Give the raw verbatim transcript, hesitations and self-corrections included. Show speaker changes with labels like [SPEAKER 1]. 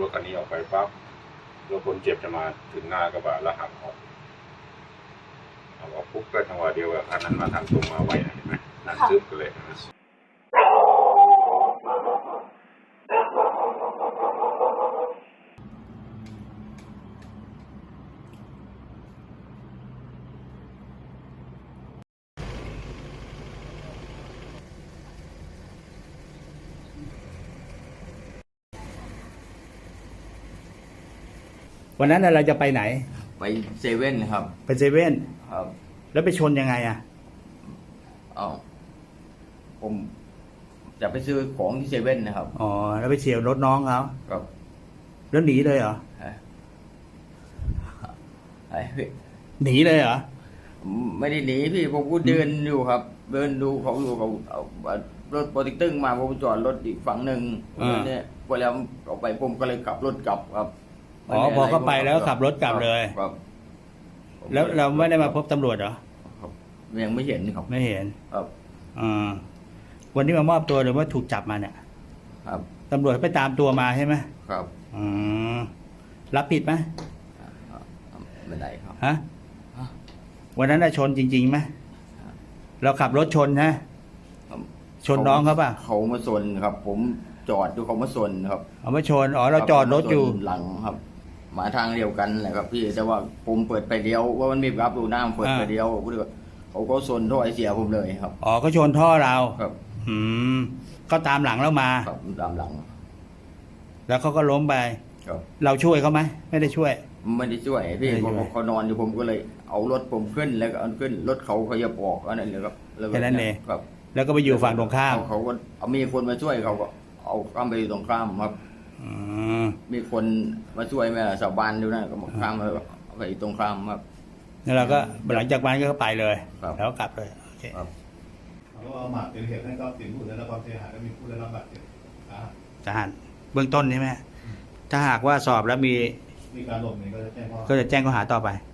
[SPEAKER 1] รถคันนี้ออกไปปั๊บรถคนเจ็บจะมาถึงหน้ากระบะแล้วหักออกเอาออกปุ๊บก็จังหวะเดียวกับคันนั้นมาทางตรงมาไวนะเห็นไหมนั่นซึบกันเลยนะ
[SPEAKER 2] วันนั้นเราจะไปไหน
[SPEAKER 3] ไปเซเว่นครับ
[SPEAKER 2] ไปเซเว่น
[SPEAKER 3] ครับ
[SPEAKER 2] แล้วไปชนยังไงอ่ะ
[SPEAKER 3] อ๋อผมจะไปซื้อของที่เซเว่นนะครับ
[SPEAKER 2] อ๋อแล้วไปเฉี่ยวรถน้องเขา
[SPEAKER 3] ครับ
[SPEAKER 2] แล้วหนีเลยเหรอ
[SPEAKER 3] ไอ้
[SPEAKER 2] หนีเลยเหรอ
[SPEAKER 3] ไม่ได้หนีพี่ผมก็เดินอยู่ครับเดินดูเขาอยู่เขาเอารถโปรติกตึ้งมาผมจอดรถอีกฝั่งหนึ่งเนี่ยพอแล้วออกไปผมก็เลยขับรถกลับครับ
[SPEAKER 2] อ๋อพอเข้าไปแล้วขับรถกลับเลย
[SPEAKER 3] ครับ
[SPEAKER 2] แล้วเราไม่ได้มาพบตำรวจเหรอ
[SPEAKER 3] ยังไม่เห็นครับ
[SPEAKER 2] ไม่เห็น
[SPEAKER 3] ครับ
[SPEAKER 2] อ่าวันนี้มามอบตัวหรือว่าถูกจับมาเนี่ย
[SPEAKER 3] ครับ
[SPEAKER 2] ตำรวจไปตามตัวมาใช่ไหม
[SPEAKER 3] ครับ
[SPEAKER 2] อืมรับผิดไหม
[SPEAKER 3] ไม่ได้ครับ
[SPEAKER 2] ฮะวันนั้นชนจริงๆไหมเราขับรถชนนะชนน้องเขาป่ะ
[SPEAKER 3] เขามาชนครับผมจอดดูเขามาชนครับ
[SPEAKER 2] เอามาชนอ๋อเราจอดรถอยู่
[SPEAKER 3] หลังครับมาทางเดียวกันแหละครับพี่แต่ว่าผมเปิดไปเดียวว่ามันมีรับดูหน้าเปิดไปเดียวเขาก็ชนท่อไอเสียผมเลยครับ
[SPEAKER 2] อ๋อก็ชนท่อเรา
[SPEAKER 3] ครับ
[SPEAKER 2] อืมก็ตามหลังเรามา
[SPEAKER 3] ครับตามหลัง
[SPEAKER 2] แล้วเขาก็ล้มไป
[SPEAKER 3] ครับ
[SPEAKER 2] เราช่วยเขาไหมไม่ได้ช่วย
[SPEAKER 3] ไม่ได้ช่วยพี่เขาเขานอนอยู่ผมก็เลยเอารถผมขึ้นแล้วก็เอาขึ้นรถเขาเขาจะออกอันนั้นเลยครับ
[SPEAKER 2] แค่นั้นเอง
[SPEAKER 3] ครับ
[SPEAKER 2] แล้วก็ไปอยู่ฝั่งตรงข้าม
[SPEAKER 3] เขาก็เอามีคนมาช่วยเขาก็เอาข้ามไปตรงข้ามครับมีคนมาช่วยแม่ชาวบ้านดูนะก็ข้ามไปตรงข้ามครับ
[SPEAKER 2] แล้วเราก็หลังจากนั้นก็ไปเลยแล้วกลับเลยโอเค
[SPEAKER 4] ครับแล้วเอาหมากเป็นเหตุให้ทรัพย์สินผู้ได้รับความเสียหายและมีผู้ได้รับบาดเจ็บ
[SPEAKER 2] ทหารเบื้องต้นใช่ไหมถ้าหากว่าสอบแล้วมี
[SPEAKER 4] มีการหลบหนีก็จะแจ้งข้อ
[SPEAKER 2] ก็จะแจ้งข้อหาต่อไป